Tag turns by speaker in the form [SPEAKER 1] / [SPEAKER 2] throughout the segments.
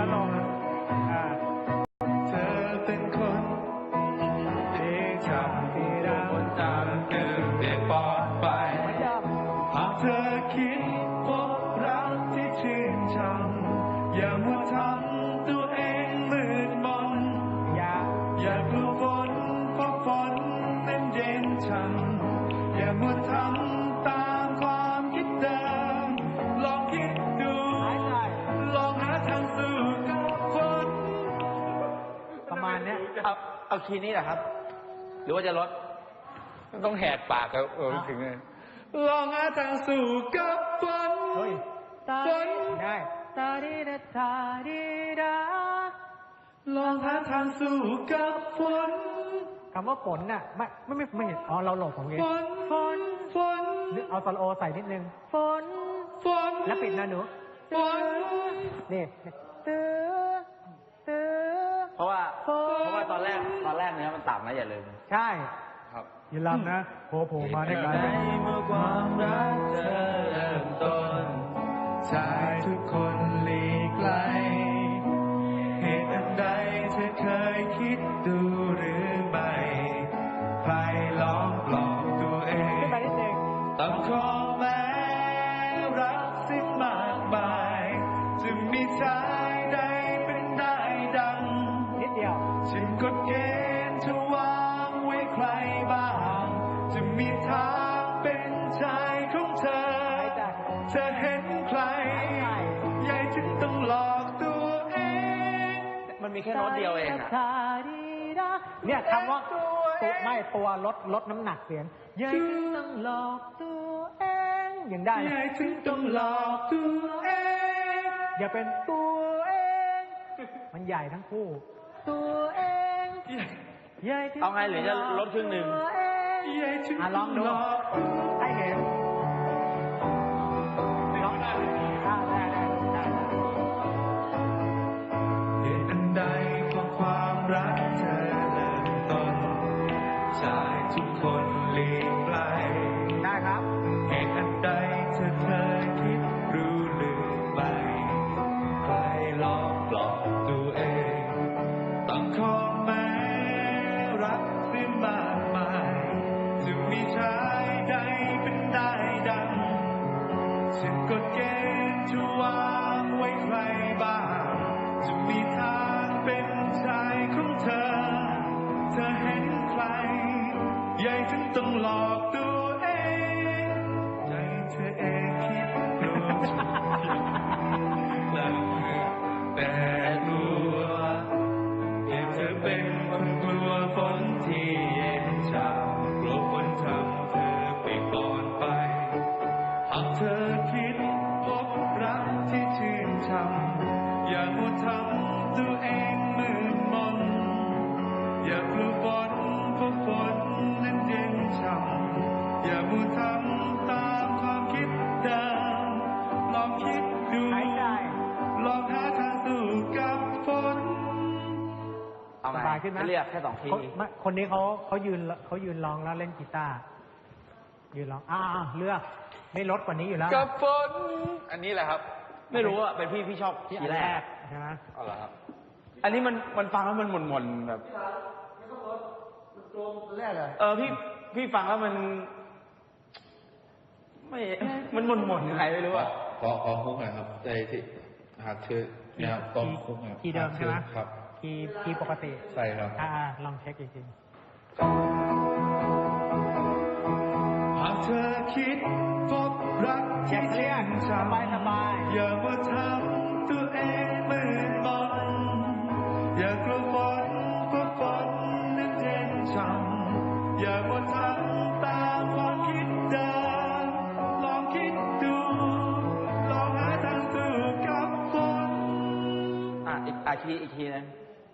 [SPEAKER 1] แล้วลง
[SPEAKER 2] เธอเป็นคนที่ทำให้เราตามเดินได้ปลอดภัยหากเธอคิดพบรักที่ชื่นชมอย่ามัวทำตัวเองมืดมนอย่ากลัวฝนเพราะฝนนั้นเย็นช่ำอย่ามัวทำตามความคิดเดิมลองคิดดูลองหาทางสู้กับฝน
[SPEAKER 1] ประมาณเนี้ย
[SPEAKER 3] เอาคีย์นี้แหละครับ หรือว่าจะลดต้องแหกปากถึงเลย
[SPEAKER 2] ลองหาทางสู้กับฝนฝน
[SPEAKER 1] ได้ตาดีดาตาดีดา
[SPEAKER 2] ลองหาทางสู้กับฝน
[SPEAKER 1] คำว่าฝนน่ะไม่เห็นเราหลบของเอง
[SPEAKER 2] ฝน
[SPEAKER 1] เอาซอลโอใส่นิดนึงฝนแล้วปิดนะหนู
[SPEAKER 2] ฝน
[SPEAKER 1] นี่ตื้อ
[SPEAKER 3] เพราะว่าตอนแรกเนี้ยมันต่ำนะอย่าลืม
[SPEAKER 1] ใช่
[SPEAKER 3] ครับ
[SPEAKER 1] อย่าลืมนะโผล่มาได้ไง
[SPEAKER 2] เมื่อความรักเธอเริ่มต้นชายทุกคนหลีกไกลเหตุอันใดเธอเคยคิดดูหรือไม่ใครลองปลอบตัวเองต้องขอแม้รักสิ้นมากมายจะมีชายใดเป็นได้ดัง
[SPEAKER 1] นิดเดียว
[SPEAKER 2] ฉันกฎเกณฑ์จะวางไว้ใครบ้างจะมีทางเป็นชายของเธอเธอเห็นใครใหญ่ถึงต้องหลอกตัวเอง
[SPEAKER 3] มันมีแค่โน้ตเดียวเองอะ
[SPEAKER 1] เนี่ยคำว่าตัวลดน้ำหนักเสียงใหญ่ถึงต้องหลอกตัวเองยังได้
[SPEAKER 2] ใหญ่ถึงต้องหลอกตัวเอง
[SPEAKER 1] อย่าเป็นตัวเองมันใหญ่ทั้งคู่ตัวเองใหญ่ถึง
[SPEAKER 3] เอาไงหรือจะลดครึ่งหนึ่ง
[SPEAKER 2] ใหญ่ถึง
[SPEAKER 1] ลองดูให้เห็นลองได้
[SPEAKER 2] เหตุอันใดเพราะความรักเธอเริ่มต้นชายทุกคนหลีกไกล
[SPEAKER 1] ได้ครับ
[SPEAKER 2] เหตุอันใดเธอเคยคิดรู้หรือไม่ใครลองปลอบตัวเองต้องขอแม้รักสิ้นมากมายจะมีชายใดเป็นได้ดังฉันกฎเกณฑ์จะวางไว้ใครบ้างจะมีทางเป็นชายของเธอเธอเห็นใครใหญ่ถึงต้องหลอกตัวเองใจเธอเองคิดกลัวทุกอย่างแต่กลัวเห็นเธอเป็นคนกลัวฝนที่เย็นชากลัวฝนทำเธอเปียกปอนไปหากเธอคิดพบรักที่ชื่นชมอย่ามัวทำตัวเองมืดมนอย่ากลัวฝนเพราะฝนนั้นเย็นช่ำอย่ามัวทำตามความคิดเดิมลองคิดดูลองหาทางสู้กับฝน
[SPEAKER 3] เอาไงขึ้นไหมเรียกแค่2 ที
[SPEAKER 1] คนนี้เขายืนร้องแล้วเล่นกีตาร์ยืนร้องเลือกไม่ลดกว่านี้อยู่แล้ว
[SPEAKER 3] กับฝนอันนี้แหละครับไม่รู้อ่ะเป็นพี่ชอบทีแรก
[SPEAKER 1] ใช่ไหม
[SPEAKER 3] เอาละครับอันนี้มันฟังแล้วมันหม่นๆแบบ
[SPEAKER 1] แรกเลย
[SPEAKER 3] พี่ฟังแล้วมันหม่นยังไงไม่รู้อ่ะ
[SPEAKER 2] ขอคุกหน่อยครับใจที่หากชื่อนะครับต้องคุกหน่อย
[SPEAKER 1] ที่เดิมใช่ไหม
[SPEAKER 2] ครับ
[SPEAKER 1] คีย์ปกติ
[SPEAKER 2] ใช่ครับ
[SPEAKER 1] ลองเช็คอีกที
[SPEAKER 2] หากเธอคิดพบรักที่ชื่นชมอย่ามาทำตัวเองมืดมนอย่ากลัวฝนเพราะฝนนั้นเย็นช่ำอย่ามาทำตามความคิดเดิมลองคิดดูลองหาทางสู้กับฝน
[SPEAKER 3] อีกทีนึง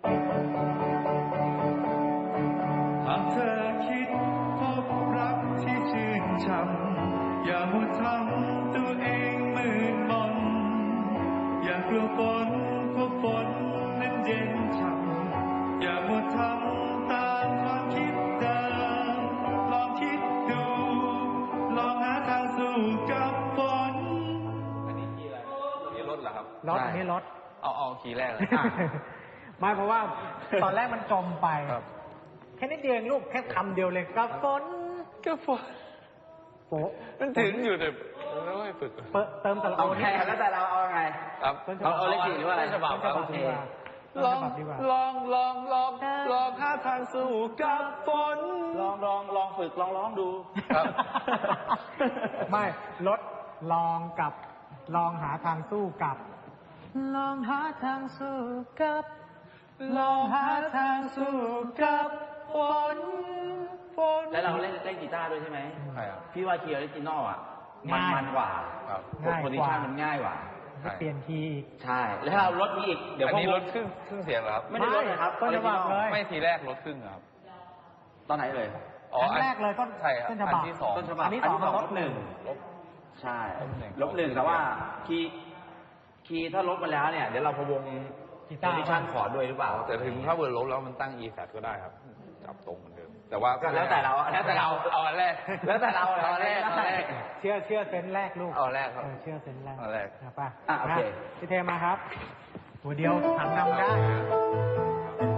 [SPEAKER 2] หากเธอคิดพบรักที่ชื่นชมอย่ามัวทำตัวเองมืดมนอย่ากลัวฝนเพราะฝนนั้นเย็นช่ำอย่ามัวทำตามความคิดเดิมลองคิดดูลองหาทางสู้กับฝน
[SPEAKER 3] อันนี้ที่อะไรนี่รถเหรอครับ
[SPEAKER 1] รถอันนี้รถ
[SPEAKER 3] เอาคีย์แรกเลย
[SPEAKER 1] ไม่เพราะว่าตอนแรกมันจมไป
[SPEAKER 3] ครับ
[SPEAKER 1] แค่นิดเดียวเองลูกแค่คำเดียวเลยกับฝน
[SPEAKER 3] ก็ฝน
[SPEAKER 1] โป๊ะ
[SPEAKER 3] มันถึงอยู่แต่ไม่ค่อยฝึก
[SPEAKER 1] เติมสระ
[SPEAKER 4] เอา
[SPEAKER 1] โอ
[SPEAKER 4] แค่แล้วแต่เราเอาไง
[SPEAKER 3] ครับ
[SPEAKER 4] เอาเลขสี่หรือว่าอะไร
[SPEAKER 3] ต้นฉบับ
[SPEAKER 1] ต้น
[SPEAKER 3] ค
[SPEAKER 1] ฉ
[SPEAKER 3] รับ
[SPEAKER 1] บับดีกว่าต้น
[SPEAKER 3] ล
[SPEAKER 1] ฉ
[SPEAKER 3] อง
[SPEAKER 1] บับดีกว่า
[SPEAKER 3] ลองหาทางสู้กับฝน
[SPEAKER 4] ลองฝึกลองร้องดู
[SPEAKER 3] ครับ
[SPEAKER 1] ไม่ลดลองกับลองหาทางสู้กับ ลองหาทางสู้กับ ลองหาทางสู้กับฝน
[SPEAKER 4] แล้วเราเล่นกีตาร์ด้วยใช่ไหม
[SPEAKER 3] ใช่ครับ
[SPEAKER 4] พี่ว่าคีย์ออริจินอลอ่ะ
[SPEAKER 1] ง่าย
[SPEAKER 4] มันกว่า
[SPEAKER 3] ครับ
[SPEAKER 1] ง่าย
[SPEAKER 4] โพซิ
[SPEAKER 1] กว่า
[SPEAKER 4] ชันมันง่ายกว่า
[SPEAKER 3] ใช่
[SPEAKER 1] เปลี่ยนทีย์
[SPEAKER 4] ใช่ แล้วถ้าเราลดนี้อีก เดี๋ยว
[SPEAKER 3] อันนี้
[SPEAKER 4] พวก
[SPEAKER 3] ลดครึ่งเสียงเหรอครับ
[SPEAKER 4] ไม่ได้ลดเลยครับ
[SPEAKER 1] ต้นฉบับเลย
[SPEAKER 3] ไม่ทีแรกลดครึ่งครับ
[SPEAKER 4] ตอนไหนเลย
[SPEAKER 3] อ๋อ
[SPEAKER 1] ครั้งแรกเลยต้น
[SPEAKER 3] ใช่ครับ
[SPEAKER 1] ต้นฉบับ
[SPEAKER 3] อันที่สอง
[SPEAKER 4] ต้นฉบับ
[SPEAKER 1] อันที่สอง
[SPEAKER 4] ล
[SPEAKER 1] ล
[SPEAKER 4] ด
[SPEAKER 1] ด
[SPEAKER 4] หนึ่ง
[SPEAKER 3] ลบ
[SPEAKER 4] ใช่
[SPEAKER 3] ลบหนึ่ง
[SPEAKER 4] ลบหนึ่งแต่ว่าคีย์ถ้าลดมาแล้วเนี่ย เดี๋ยวเราพะวง
[SPEAKER 1] กี
[SPEAKER 4] โพ
[SPEAKER 1] ตาร์
[SPEAKER 4] ซิชันคอร์ดด้วยหรือเปล่า
[SPEAKER 3] แต่ถึงถ้าเบอร์ลบแล้วมันตั้ง E flat ก็ได้ครับ จับตรงเหมือนเดิม แต่ว่า
[SPEAKER 4] ก็แล้วแต่เรา
[SPEAKER 3] เอาอันแรก
[SPEAKER 4] แล้วแต่เรา
[SPEAKER 3] เอาอันแรก
[SPEAKER 4] แล้วแต่
[SPEAKER 1] เชื่อเซนส์แรกลูก
[SPEAKER 3] เอาอันแรกครับ
[SPEAKER 1] เชื่อเซนส์แรก
[SPEAKER 3] เอาแรก
[SPEAKER 1] นะป่ะ
[SPEAKER 4] โอเค
[SPEAKER 1] พี่เทมาครับหัวเดียวถังนำได้